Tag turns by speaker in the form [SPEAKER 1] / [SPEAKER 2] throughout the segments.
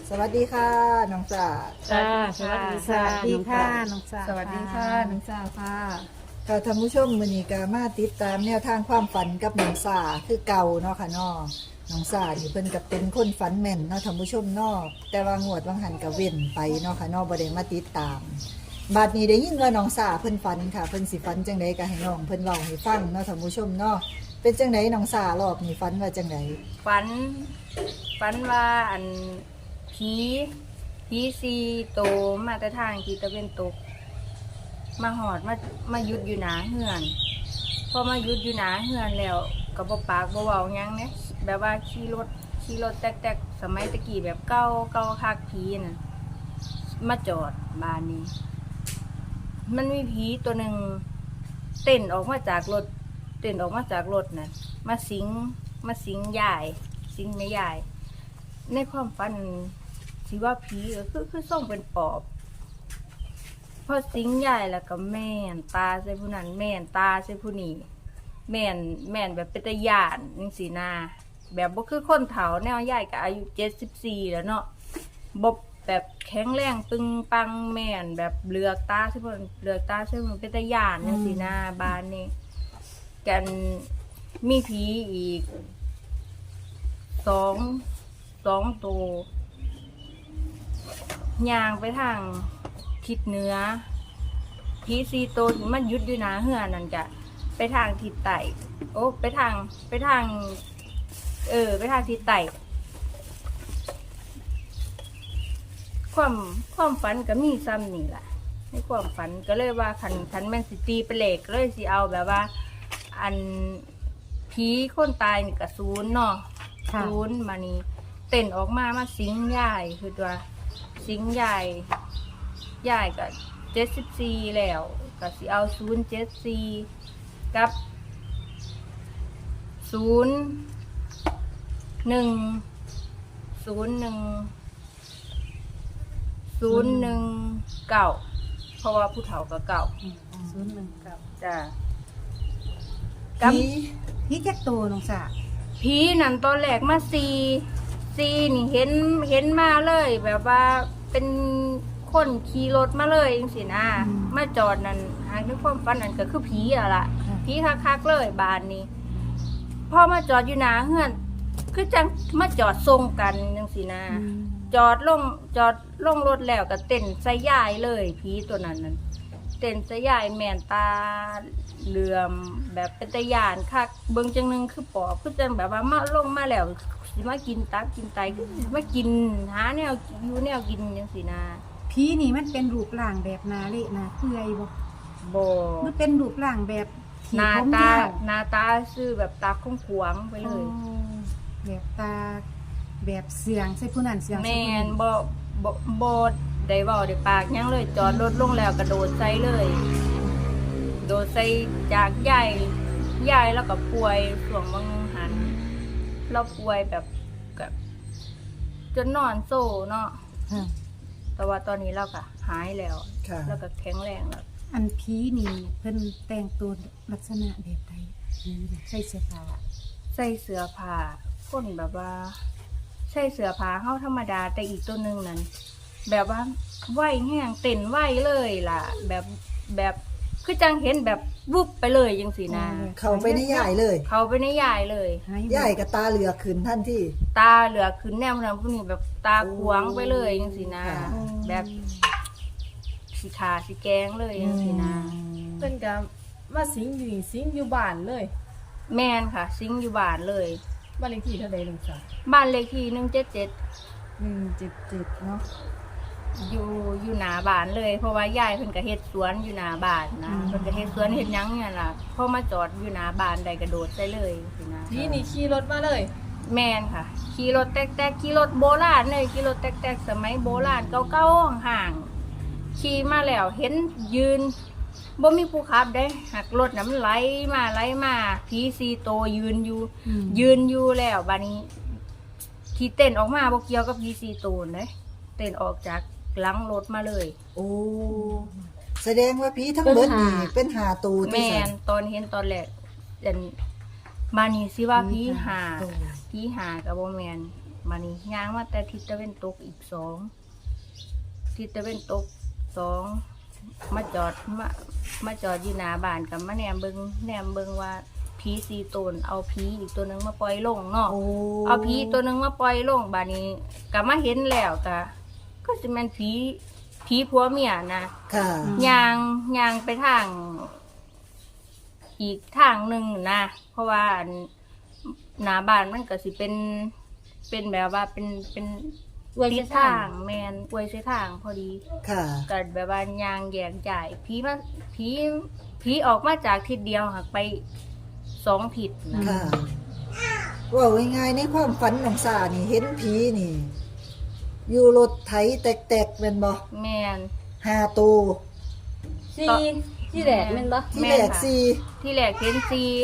[SPEAKER 1] สวัสดีค่ะน้องจ๋า
[SPEAKER 2] ค่ะสวัสดี
[SPEAKER 1] สวัสดีค่ะ
[SPEAKER 2] น้องสาว
[SPEAKER 1] สวัสดีค่ะน้องจ๋าค่ะค่ะท่านผู้ชมมื้อนี้ก็มาติดตามแนวทางความฝันกับน้องสาคือเก่าเนาะค่ะเนาะน้องสานี่เพิ่นก็เป็นคนฝันแม่นเนาะท่านผู้ชมเนาะแต่ว่างวดวังหันก็เว้นไปเนาะค่ะเนาะบ่ได้มาติดตามบัดนี้ได้ยินว่าน้องสาเพิ่นฝันค่ะเพิ่นสิฝันจังไดก็ให้น้องเพิ่นเล่าให้ฟังเนาะท่านผู้ชมเนาะเป็นจังไดน้องสารอบนี้ฝันว่าจังได
[SPEAKER 3] ฝันว่าอันผีซีโตมาแต่ทางที่ตะเวนตกมาหอดมาหยุดอยู่หนาเฮือนพอมาหยุดอยู่หนาเฮือนแล้วก็บ่ปากบ่เว้าหยังเนี่ยแบบว่าขี่รถแตกๆสมัยตะกี้แบบเก่าคักผีน่ะมาจอดบ้านนี้ มันมีผีตัวหนึ่งเต้นออกมาจากรถน่ะมาสิงยายสิงแม่ยายในความฝันสิว่าผีคือส่งเป็นปอบพอสิงยายแล้วก็แม่นตาใส่ผู้นั้นแม่นตาใส่ผู้นี้แม่นแบบเป็นตาย่านจังซี่นาแบบบ่คือคนเฒ่าแนวยายก็อายุ74แล้วเนาะบ่แบบแข็งแรงปึงปังแม่นแบบเหลือกตาใส่ผู้นั้นเหลือกตาใส่ผู้นั้นเป็นตาย่านจังซี่นาบ้านนี้กันมีผีอีกสองตัวย่างไปทางทิศเหนือผีซีโตวที่มันยุดอยู่หนาเฮือนั่นจะไปทางทิศใต้ไปทางทิศใต้ความฝันก็มีซ้ำนี่แหละในความฝันก็เลยว่าขันแม่นสิตีเป็นเลขเลยสิเอาแบบว่าอันผีคนตายนี่ก็ศูนย์เนาะศูนย์มานี่เต้นออกมาสิงยายคือตัวสิงยายก็74แล้วก็สิเอา074กับ0109เพราะว่าผู้เฒ่าก็เก่า
[SPEAKER 2] 019
[SPEAKER 3] จ้ะ
[SPEAKER 2] พี่แจ็คโตน้องสาว
[SPEAKER 3] ผีนั่นตอนแรกมาซีนี่เห็นมาเลยแบบว่าเป็นคนขี่รถมาเลยจังซี่นะมาจอดนั่นหาในความฝันนั่นก็คือผีอ่ะล่ะผีคักๆเลยบ้านนี้พอมาจอดอยู่หน้าเฮือนคือจังมาจอดทรงกันจังซี่นะจอดลงรถแล้วก็เต้นใส่ยายเลยผีตัวนั้นเต้นใส่ยายแม่นตาเหลื่อมแบบเป็นตะยานคักเบิ่งจังนึงคือปอบคือจังแบบว่ามาลงมาแล้วสิมากินตับกินไตคือสิมากินหาแนวอยู่แนวกินจังซี่นะ
[SPEAKER 2] พี่นี่มันเป็นรูปร่างแบบนาเละนาเปื่อยบ่
[SPEAKER 3] บ่
[SPEAKER 2] มันเป็นรูปร่างแบบ
[SPEAKER 3] หน้า
[SPEAKER 2] ผม
[SPEAKER 3] ตาย
[SPEAKER 2] าว
[SPEAKER 3] หน้าตาซื่อแบบตาขวางๆไปเลย
[SPEAKER 2] แบบตาแบบเสียงใส่ผู้นั้นเสียงใส่
[SPEAKER 3] แม่
[SPEAKER 2] ผู้
[SPEAKER 3] น
[SPEAKER 2] นี้
[SPEAKER 3] บ่ได้เว้าได้ปากหยังเลยจอดรถลงแล้วกระโดดใส่เลยโดดใส่จากยายแล้วก็ป่วยช่วงบางหันเราป่วยแบบจนนอนโซ่เนาะ
[SPEAKER 2] ค่ะ
[SPEAKER 3] แต่ว่าตอนนี้เราก็หายแล้ว
[SPEAKER 1] ค่ะ
[SPEAKER 3] แล้วก็แข็งแรงแล้ว
[SPEAKER 2] อันผีนี่เพิ่นแต่งตัวลักษณะแบบใดผีใส่เสื้อผ้า
[SPEAKER 3] ใส่เสื้อผ้าคนแบบว่าใส่เสื้อผ้าเฮาธรรมดาแต่อีกตัวหนึงนั้นแบบว่าไหวแห้งเต้นไหวเลยล่ะ แบบคือจังเห็นแบบวุบไปเลยจังสีนะ
[SPEAKER 1] เข้าไปในยายเลย
[SPEAKER 3] เขาไปในยายเลย
[SPEAKER 2] หาย
[SPEAKER 1] ยายกับตาเหลือกขึ้นทันที
[SPEAKER 3] ตาเหลือขึ้นแนวนั้นพวกนี้แบบตาขวางไปเลยจังสีนะ
[SPEAKER 1] ค่ะ
[SPEAKER 3] แบบสีขาสีแกงเลยจังสีนะ
[SPEAKER 4] เพิ่นก็มาสิงอยู่นี่สิงอยู่บ้านเลย
[SPEAKER 3] แม่นค่ะซิงอยู่บ้านเลย
[SPEAKER 4] บ้านเลขที่เท่าใดลุงสาว
[SPEAKER 3] บ้านเลขที่177
[SPEAKER 4] 177เนาะ
[SPEAKER 3] อยู่หน้าบ้านเลยเพราะว่ายายเพิ่นก็เฮ็ดสวนอยู่หน้าบ้านนะเพิ่นก็เฮ็ดสวนเฮ็ดหยังเนี่ยล่ะพอมาจอดอยู่หน้าบ้านได้กระโดดใส่เลยสินะ
[SPEAKER 4] ทีนี่ขี่รถมาเลย
[SPEAKER 3] แม่นค่ะขี่รถแต๊กๆขี่รถโบราณเลยขี่รถแต๊กๆสมัยโบราณเก่าๆห่างๆขี่มาแล้วเห็นยืนบ่มีผู้ขับได้หักรถน่ะมันไหลมาผีซีโตวยืนอยู่แล้วบัดนี้ที่เต้นออกมาบ่เกี่ยวกับผีซีโตวเด้เต้นออกจากหลังรถมาเลย
[SPEAKER 1] โอ้แสดงว่าผีทั้งเบิดนี่เป็นหาตูที่
[SPEAKER 3] แม่
[SPEAKER 1] สั
[SPEAKER 3] นตอนเห็นตอนแรกบานี้สิว่าผีหากับบ่แม่นมานี่ย่างมาแต่ทิศตะเวนตกอีกสองทิศตะเวนตกสองมาจอดอยู่หน้าบ้านกับมาแนมเบิงว่าผี4 ตนเอาผีอีกตัวหนึงมาปล่อยลงเนาะ
[SPEAKER 1] โอ้
[SPEAKER 3] เอาผีตัวหนึงมาปล่อยลงบาดนี้ก็มาเห็นแล้วก็สิแม่นผีผัวเมียนะ
[SPEAKER 1] ค่ะ
[SPEAKER 3] ย่างไปทางอีกทางหนึงนะเพราะว่าอันหน้าบ้านมันก็สิเป็นแบบว่าเป็นอวยเส้นทางแม่นอวยเส้นทางพอดี
[SPEAKER 1] ค่ะ
[SPEAKER 3] ก็แบบว่ายางแยกจ่ายผีออกมาจากทิศเดียวหักไป2 ทิศนะ
[SPEAKER 1] ค่ะว่าง่ายๆในความฝันของสานี่เห็นผีนี่ อยู่รถไถแตกๆเป็นบ่
[SPEAKER 3] แม่น
[SPEAKER 1] 5 ตัว
[SPEAKER 2] ซีที่แรกแม่นบ่
[SPEAKER 1] ที่แรก
[SPEAKER 3] ที่แรกเห็น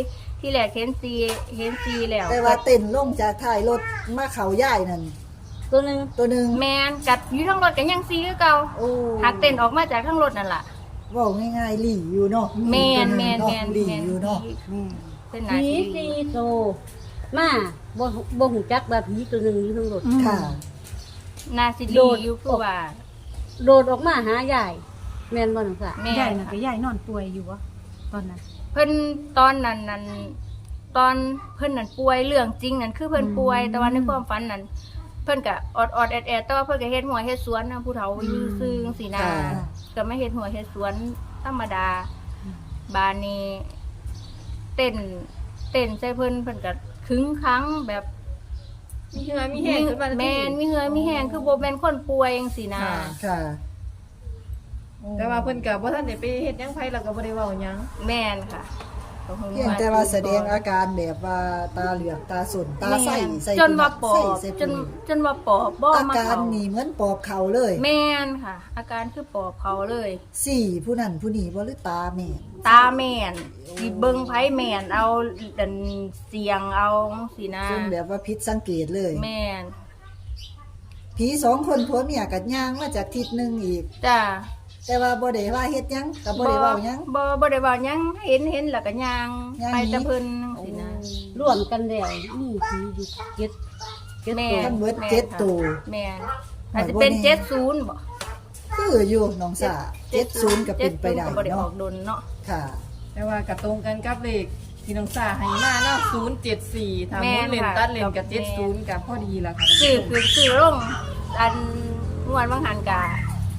[SPEAKER 3] ซีแล้ว
[SPEAKER 1] 4แต่ว่าเต้นลงจากท้ายรถมาเขาย่ายนั่น
[SPEAKER 2] ตัวหนึง
[SPEAKER 1] ตัวหนึง
[SPEAKER 3] แมนกัดอยู่ทั้งรถกันยังซีคือเก่า
[SPEAKER 1] โอ้
[SPEAKER 3] หักเต้นออกมาจากทั้งรถนั่นล่ะ
[SPEAKER 1] เว้าง่ายๆหลี่อยู่เนาะ
[SPEAKER 3] แมน
[SPEAKER 1] หลี่อยู่เนาะ
[SPEAKER 3] เป็นหนา
[SPEAKER 2] ผี
[SPEAKER 3] ที
[SPEAKER 2] ซีโตมาบ่ฮู้จักว่าผีตัวหนึงอยู่ข้างรถ
[SPEAKER 1] ค่ะ
[SPEAKER 3] นาซิ
[SPEAKER 2] โด
[SPEAKER 3] ลี
[SPEAKER 2] ด
[SPEAKER 3] อยู่คือว่า
[SPEAKER 2] โดดออกมาหายายแม่นบ่น้องสา
[SPEAKER 3] แม่
[SPEAKER 4] ใหญ่
[SPEAKER 3] น
[SPEAKER 4] น่ะก็ใหญ่นอนป่วยอยู่วะตอนนั้น
[SPEAKER 3] เพิ่นตอนนั้นตอนเพิ่นนั่นป่วยเรื่องจริงนั่นคือเพิ่นป่วย แต่ว่าในความฝันนั่นเพิ่นก็อดแอดแต่ว่าเพิ่นก็เฮ็ดหัวเฮ็ดสวนนะผู้เฒ่าอยู่ซื่อจังซี่นะ
[SPEAKER 1] ค่ะ
[SPEAKER 3] ก็ไม่เฮ็ดหัวเฮ็ดสวนธรรมดาบานนี้เต้นใส่เพิ่นก็คึ้งครั้งแบบ
[SPEAKER 4] มีเหือมีแห้งขึ้นมาทันที
[SPEAKER 3] แม่นมีเหือมีแห้งคือบ่แม่นคนป่วยจังซี่นะ
[SPEAKER 4] ค่ะ
[SPEAKER 1] ค่ะ
[SPEAKER 4] แต่ว่าเพิ่นก็บ่ทันได้ไปเฮ็ดหยังไผแล้วก็บ่ได้เว้าหยัง
[SPEAKER 3] แม่นค่ะก็ค
[SPEAKER 1] เพียงแต่ว่าแสดงอาการแบบว่าตาเหลือกตาสนตาใสใส่
[SPEAKER 3] จนว่าปอบ
[SPEAKER 1] ใส่
[SPEAKER 3] จนว่าปอบบ่
[SPEAKER 1] อา
[SPEAKER 3] มา
[SPEAKER 1] การ
[SPEAKER 3] เข้า
[SPEAKER 1] นี่เหมือนปอบเขาเลย
[SPEAKER 3] แม่นค่ะ อาการคือปอบเขาเลย
[SPEAKER 1] สี่ผู้นั้นผู้นี้บ่หรือตาแม่น
[SPEAKER 3] ตาแม่นสิเบิ่งไผแม่นเอาดันเสียงเอาสินะ
[SPEAKER 1] จนแบบว่าผิดสังเกตเลย
[SPEAKER 3] แม่น
[SPEAKER 1] ผี2 คนผัวเมียกัดย่างมาจากทิศหนึงอีก
[SPEAKER 3] จ้า
[SPEAKER 1] แต่ว่าบ่ได้ว่าเฮ็ดหยังก็บ่ได้เว้าหยัง
[SPEAKER 3] บ่ได้เว้าหยังเห็นแล้วก็ย่าง
[SPEAKER 1] ย่าง
[SPEAKER 3] ไป
[SPEAKER 1] หนี
[SPEAKER 3] แต่เพิ่นจังซี่นะ
[SPEAKER 2] รวมกันแล้วมีผีอยู่เจ็ด
[SPEAKER 3] แม่
[SPEAKER 1] ทั้งหมด
[SPEAKER 3] แม่
[SPEAKER 1] 7ตัว
[SPEAKER 3] แม่นอาจจะเป็น70บ่
[SPEAKER 1] คืออยู่น้องสา70ก็เป็นไปได้
[SPEAKER 3] ก็บ่ได้ออ
[SPEAKER 1] เนาะ
[SPEAKER 3] กดนเนาะ
[SPEAKER 1] ค่ะ
[SPEAKER 4] แต่ว่าก็ตรงกันกับเลขที่น้องสาให้มาเนาะ074ถ้าหมุนเล่นตัดเล่นกับ70ก็พอดีล่ะค่ะ
[SPEAKER 3] ซื้อลงอันงวดบางหันกะ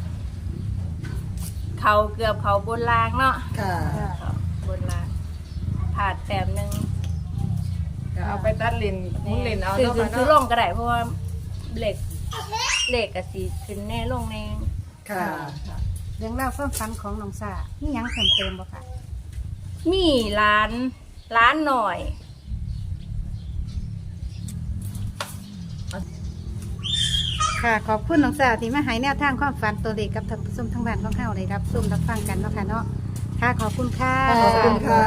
[SPEAKER 3] เขาเกือบเขาบนรางเนาะ
[SPEAKER 1] ค่ะ
[SPEAKER 3] เขาบนรางผ่าดแต้มหนึง
[SPEAKER 4] ก็เอาไปตัดเล่นหมุนเล่นเอา
[SPEAKER 3] ซื้อ
[SPEAKER 4] เนาะ
[SPEAKER 3] ซื้อ
[SPEAKER 4] ค่ะ
[SPEAKER 3] ซื้อล
[SPEAKER 4] เนาะ
[SPEAKER 3] งก็ได้เพราะว่าเหล็กก็สิขึ้นแน่ลงแน่
[SPEAKER 1] ค่ะ
[SPEAKER 2] เรื่องราวความฝันของน้องสามีหยังเพิ่มเติมบ่คะ
[SPEAKER 3] มีร้านหน่อย
[SPEAKER 2] ค่ะขอบคุณน้องสาที่มาให้แนวทางความฝันตัวเลขกับท่านผู้ชมทั้งบ้านของเฮาได้รับชมรับฟังกันเนาะค่ะเนาะค่ะขอบคุณค่ะ
[SPEAKER 1] ขอบคุณค่ะ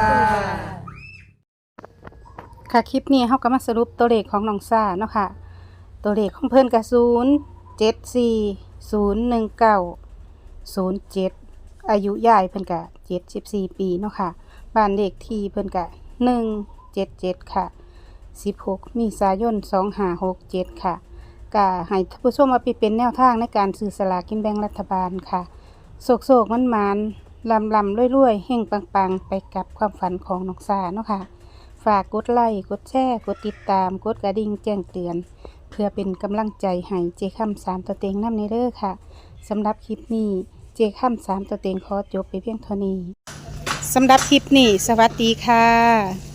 [SPEAKER 2] ค่ะคลิปนี้เฮาก็มาสรุปตัวเลขของน้องซ่าเนาะค่ะ ตัวเลขของเพิ่นก็074-019-07อายุยายเพิ่นก็74 ปีเนาะค่ะบ้านเลขที่เพิ่นก็177ค่ะ16เมษายน2567ค่ะก็ให้ท่านผู้ชมเอาไปเป็นแนวทางในการซื้อสลากกินแบ่งรัฐบาลค่ะโศกๆมันๆลำๆรวยๆเฮงปังๆไปกับความฝันของน้องซ่าเนาะค่ะ ฝากกดไลค์ กดแชร์ กดติดตาม กดกระดิ่งแจ้งเตือน เพื่อเป็นกำลังใจให้เจค่ำ3ตัวเต็งนำในเด้อค่ะ สำหรับคลิปนี้เจค่ำ3ตัวเต็งขอจบไปเพียงเท่านี้ สำหรับคลิปนี้ สวัสดีค่ะ